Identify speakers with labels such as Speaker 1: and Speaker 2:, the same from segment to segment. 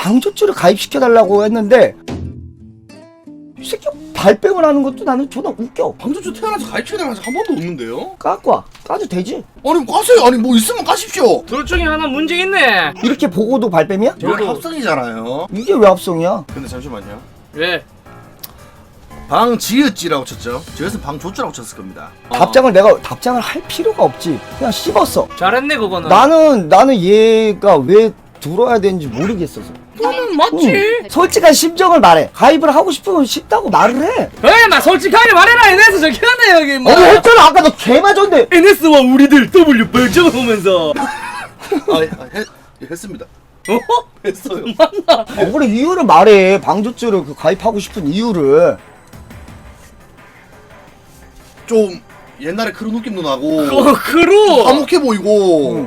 Speaker 1: 방조주를 가입시켜달라고 했는데 이 새끼 발뺌을 하는 것도 나는 존나 웃겨.
Speaker 2: 방조주 태어나서 가입시켜달라는 한 번도 없는데요?
Speaker 1: 까고 와. 까도 되지.
Speaker 2: 아니 까세요. 아니 뭐 있으면 까십시오.
Speaker 3: 둘 중에 하나 문제 있네.
Speaker 1: 이렇게 보고도 발뺌이야?
Speaker 2: 이건 합성이잖아요.
Speaker 1: 이게 왜 합성이야?
Speaker 2: 근데 잠시만요.
Speaker 3: 왜?
Speaker 2: 방지읒지라고 쳤죠. 저에서 방조주라고 쳤을 겁니다.
Speaker 1: 답장을 할 필요가 없지. 그냥 씹었어.
Speaker 3: 잘했네 그거는.
Speaker 1: 나는 얘가 왜 들어야 되는지 모르겠어서.
Speaker 3: 나는 맞지.
Speaker 1: 솔직한 심정을 말해. 가입을 하고 싶으면 쉽다고 말을 해.
Speaker 3: 에이 나 솔직하게 말해라. NS 저기 하네 여기 뭐.
Speaker 1: 했잖아. 아까 너 개 맞았는데.
Speaker 3: NS와 우리들 W 벌쩍을 보면서.
Speaker 2: 했습니다.
Speaker 3: 어?
Speaker 2: 했어요.
Speaker 3: 맞나?
Speaker 1: 그래 이유를 말해. 방조주를 가입하고 싶은 이유를.
Speaker 2: 좀 옛날에 그런 느낌도 나고
Speaker 3: 그로.
Speaker 2: 화목해 보이고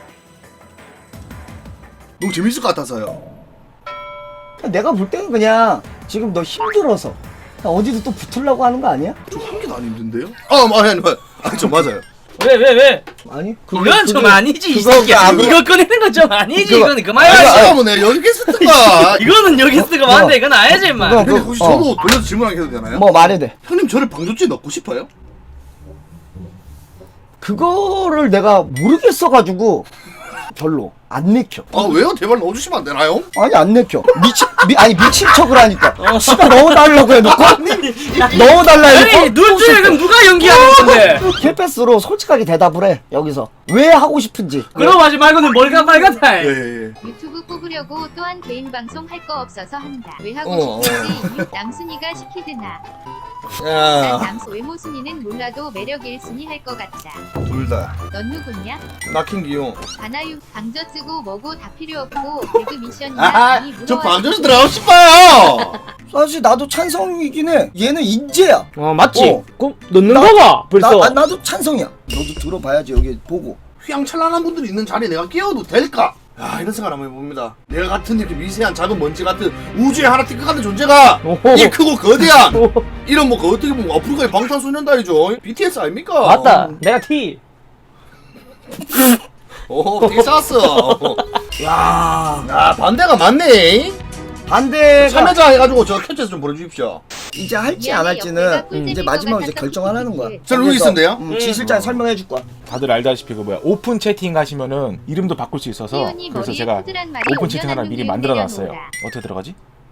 Speaker 2: 너무 재밌을 것 같아서요.
Speaker 1: 내가 볼 때는 그냥 지금 너 힘들어서 그냥 어디도 또 붙으려고 하는 거 아니야?
Speaker 2: 좀 한 개도 안 힘든데요? 아니 저 맞아요.
Speaker 3: 왜?
Speaker 1: 아니
Speaker 3: 그건 좀 아니지 이
Speaker 1: 그거
Speaker 3: 새끼야.
Speaker 1: 그거-
Speaker 3: 이거 꺼내는 건 좀 아니지.
Speaker 1: 그거-
Speaker 3: 이거는 그만해.
Speaker 2: 잠깐만 내가 여기 쓰던가.
Speaker 3: 이거는 여기 쓰고 많은데 이건 아니지 임마.
Speaker 1: 그거-
Speaker 2: 근데 혹시 저도 돌려서 질문하게 해도 되나요?
Speaker 1: 뭐 말해야 돼.
Speaker 2: 형님 저를 방조주에 넣고 싶어요?
Speaker 1: 그거를 내가 모르겠어가지고 별로 안 내켜.
Speaker 2: 아 왜요? 제발 넣어주시면 안 되나요?
Speaker 1: 아니 안 내켜. 미친 척을 하니까. 씨가 넣어달라고 해놓고 넣어달라
Speaker 3: 아니
Speaker 1: 해놓고
Speaker 3: 눈 중에 그럼 누가 연기하는 건데?
Speaker 1: 킬패스로 솔직하게 대답을 해. 여기서 왜 하고 싶은지.
Speaker 3: 그럼 하지 말고는 뭘까 말같아.
Speaker 2: 예.
Speaker 4: 유튜브 뽑으려고 또한 개인 방송 할 거 없어서 한다. 왜 하고
Speaker 2: 어.
Speaker 4: 싶은지 남순이가 시키드나. 난
Speaker 2: 야,
Speaker 4: 남수 외모순이는 몰라도 매력 1순위 할 것 같다.
Speaker 2: 둘 다.
Speaker 4: 넌 누구냐?
Speaker 2: 낙힌 기용.
Speaker 4: 바나유 방저 쓰고 뭐고 다 필요 없고 개그 미션이나
Speaker 2: 아,
Speaker 4: 많이
Speaker 2: 저
Speaker 4: 물어와.
Speaker 2: 방조주 들어가고 싶어요.
Speaker 1: 사실 나도 찬성이긴 해. 얘는 인재야.
Speaker 3: 맞지?
Speaker 1: 어.
Speaker 3: 그럼 넣는 거가 벌써.
Speaker 1: 나도 찬성이야. 너도 들어봐야지 여기 보고.
Speaker 2: 휘황찬란한 분들이 있는 자리에 내가 끼어도 될까? 야, 이런 생각 한번 해봅니다. 내가 같은 이렇게 미세한 작은 먼지 같은 우주에 하나 띵크 같은 존재가
Speaker 3: 오호.
Speaker 2: 이 크고 거대한 이런 뭐 어떻게 보면 아프리카의 방탄소년단이죠. BTS 아닙니까?
Speaker 3: 맞다. 내가 T.
Speaker 2: 오, 텍사스. 야, 반대가 맞네.
Speaker 1: 반대가
Speaker 2: 참여자 해가지고 저 캡처해서 좀 보내주십시오.
Speaker 1: 이제 할지
Speaker 4: 미안해,
Speaker 1: 안 할지는
Speaker 4: 옆에가 꿀잼인
Speaker 1: 이제
Speaker 4: 것
Speaker 1: 마지막으로 이제
Speaker 4: 같아서
Speaker 1: 결정하라는 거야.
Speaker 4: 꿀잼이지.
Speaker 2: 저 루이 있는데요?
Speaker 1: 지 실장 설명해 줄 거야.
Speaker 5: 다들 알다시피 그 뭐야 오픈 채팅 하시면은 이름도 바꿀 수 있어서
Speaker 4: 태연이
Speaker 5: 그래서
Speaker 4: 머리에
Speaker 5: 제가
Speaker 4: 푸들한 말이
Speaker 5: 오픈 채팅 하나
Speaker 4: 올려놨는
Speaker 5: 미리
Speaker 4: 게
Speaker 5: 만들어 놨어요.
Speaker 4: 내려놓으라.
Speaker 5: 어떻게 들어가지?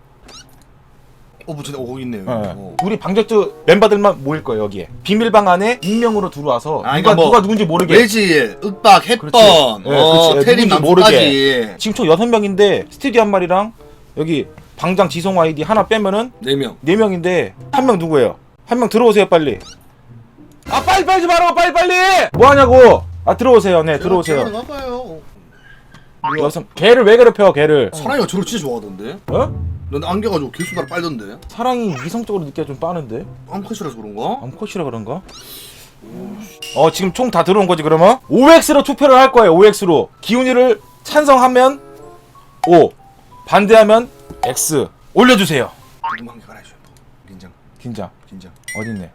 Speaker 2: 진짜 오고 있네요.
Speaker 5: 예. 우리 방저트 멤버들만 모일 거예요 여기에. 비밀방 안에 익명으로 들어와서
Speaker 2: 아,
Speaker 5: 누가
Speaker 2: 그러니까 뭐
Speaker 5: 누가 누군지 모르게.
Speaker 2: 외질, 윽박, 햇번,
Speaker 5: 그렇지. 그렇지.
Speaker 2: 테림
Speaker 5: 누군지
Speaker 2: 남주까지
Speaker 5: 지금 총 6명인데 스튜디오 한 마리랑 여기 방장 지송 아이디 하나 빼면은
Speaker 2: 4명.
Speaker 5: 4명인데 한 명 누구예요? 한 명 들어오세요 빨리. 아 빨리 좀 하라고 빨리. 뭐 하냐고. 아 들어오세요. 네 들어오세요.
Speaker 2: 나가봐요.
Speaker 5: 여성 개를 왜 괴롭혀 개를?
Speaker 2: 사랑이가 저를 진짜 좋아하던데?
Speaker 5: 어?
Speaker 2: 넌 안겨가지고 개수나를 빨던데?
Speaker 5: 사랑이 이성적으로 느끼기가 좀 빠른데?
Speaker 2: 암컷이라서 그런가?
Speaker 5: 암컷이라 그런가? 지금 총 다 들어온 거지 그러면? OX로 투표를 할 거예요 OX로. 기훈이를 찬성하면 O, 반대하면 X. 올려주세요.
Speaker 2: 궁금한 게 말해줘요. 긴장.
Speaker 5: 긴장 어딨네.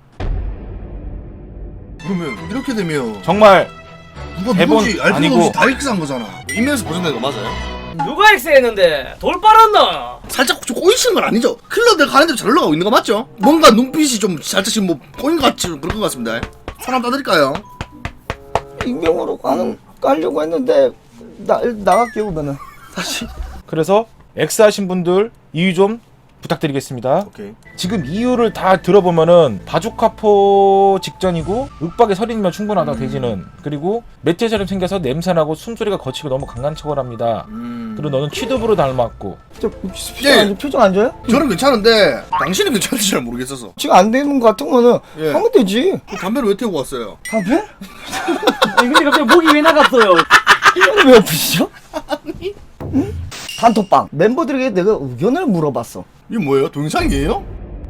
Speaker 2: 그러면 이렇게 되면
Speaker 5: 정말
Speaker 2: 누가
Speaker 5: 대본
Speaker 2: 누군지 알 필요
Speaker 5: 아니고.
Speaker 2: 없이 다 X한 거잖아. 인면에서 보존된 거 맞아요?
Speaker 3: 누가 X했는데 돌 빨았나?
Speaker 2: 살짝 좀 꼬이시는 건 아니죠? 클럽들 가는 대로 잘 올라가고 있는 거 맞죠? 뭔가 눈빛이 좀 살짝 지금 뭐 꼬인 것 같이 그런 것 같습니다. 손 한번 따드릴까요?
Speaker 1: 익명으로 깔려고 했는데 나갈게요 그러면은. 다시.
Speaker 5: 그래서 X 하신 분들 이유 좀 부탁드리겠습니다.
Speaker 2: 오케이.
Speaker 5: 지금 이유를 다 들어보면은 바주카포 직전이고 윽박의 설인이면 충분하다 대지는. 그리고 멧돼지처럼 생겨서 냄새나고 숨소리가 거치고 너무 강한 척을 합니다. 그리고 너는 취두부로 닮았고.
Speaker 2: 예.
Speaker 1: 표정 안 좋아요?
Speaker 2: 저는 괜찮은데 당신은 괜찮은지 잘 모르겠어서.
Speaker 1: 지금 안 되는 거 같은 거는
Speaker 2: 예.
Speaker 1: 하면 되지.
Speaker 2: 그 담배를 왜 태우고 왔어요?
Speaker 1: 담배?
Speaker 3: 아니 근데 갑자기 목이 왜 나갔어요?
Speaker 1: 왜 아프시죠? 응? 단톡방 멤버들에게 내가 의견을 물어봤어.
Speaker 2: 이게 뭐예요? 동영상이에요?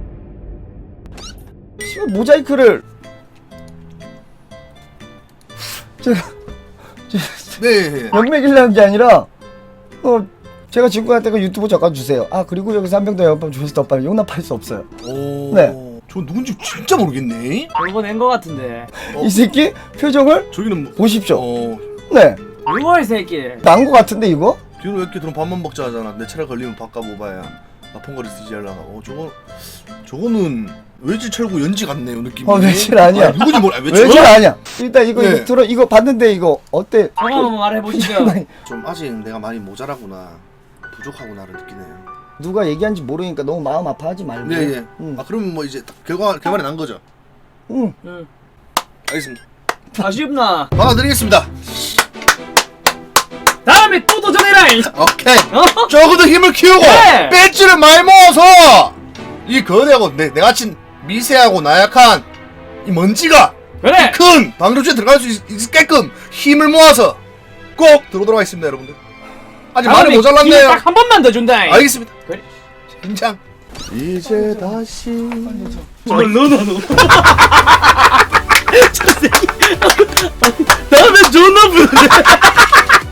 Speaker 1: 씨발 모자이크를 제가
Speaker 2: 네.
Speaker 1: 연맥이라는 게 아니라 제가 친구한테 그 유튜브 잠깐 주세요. 아 그리고 여기서 한 병 더 연밤 조회수 더 빨리 용납할 수 없어요.
Speaker 2: 오.
Speaker 1: 네.
Speaker 2: 저 누군지 진짜 모르겠네.
Speaker 3: 돌고 낸거 같은데.
Speaker 2: 어.
Speaker 1: 이 새끼 표정을
Speaker 2: 저기는 뭐.
Speaker 1: 보십시오.
Speaker 2: 어.
Speaker 1: 네,
Speaker 3: 누가 이 새끼?
Speaker 1: 난 거 같은데 이거?
Speaker 2: 뒤로 왜 이렇게 들어 밥만 먹자 하잖아. 내 차례 걸리면 밥값 오바야. 나폰거리 쓰지 하려고. 저거는 외질 철구 연지 같네요 느낌이.
Speaker 1: 외질 아니야.
Speaker 2: 아니, 누구지 몰라.
Speaker 1: 외질 아니야. 일단 이거
Speaker 2: 네.
Speaker 1: 이거 들어 이거 봤는데 이거 어때?
Speaker 3: 저거 한번 말해보시죠.
Speaker 2: 좀 아직 내가 많이 모자라구나. 부족하구나를 느끼네요.
Speaker 1: 누가 얘기한지 모르니까 너무 마음 아파하지 말고.
Speaker 2: 네, 예.
Speaker 1: 응.
Speaker 2: 아 그러면 뭐 이제 결과는 난 거죠.
Speaker 1: 응.
Speaker 3: 응.
Speaker 2: 알겠습니다.
Speaker 3: 아쉽나?
Speaker 2: 받아드리겠습니다.
Speaker 3: 다음에 또 도전해라.
Speaker 2: 오케이.
Speaker 3: 어?
Speaker 2: 조금 더 힘을 키우고
Speaker 3: 네.
Speaker 2: 배지를 많이 모아서 이 거대하고 내같이 미세하고 나약한 이 먼지가
Speaker 3: 그래.
Speaker 2: 큰 방조주에 들어갈 수 있게끔 힘을 모아서 꼭 들어오도록 하겠습니다, 여러분들. 아직 많이 모자랐네요.
Speaker 3: 딱한 번만 더 준다.
Speaker 2: 알겠습니다.
Speaker 3: 그래.
Speaker 2: 긴장. 이제 다시
Speaker 3: 정말 너너. 다음에 존나 부르네.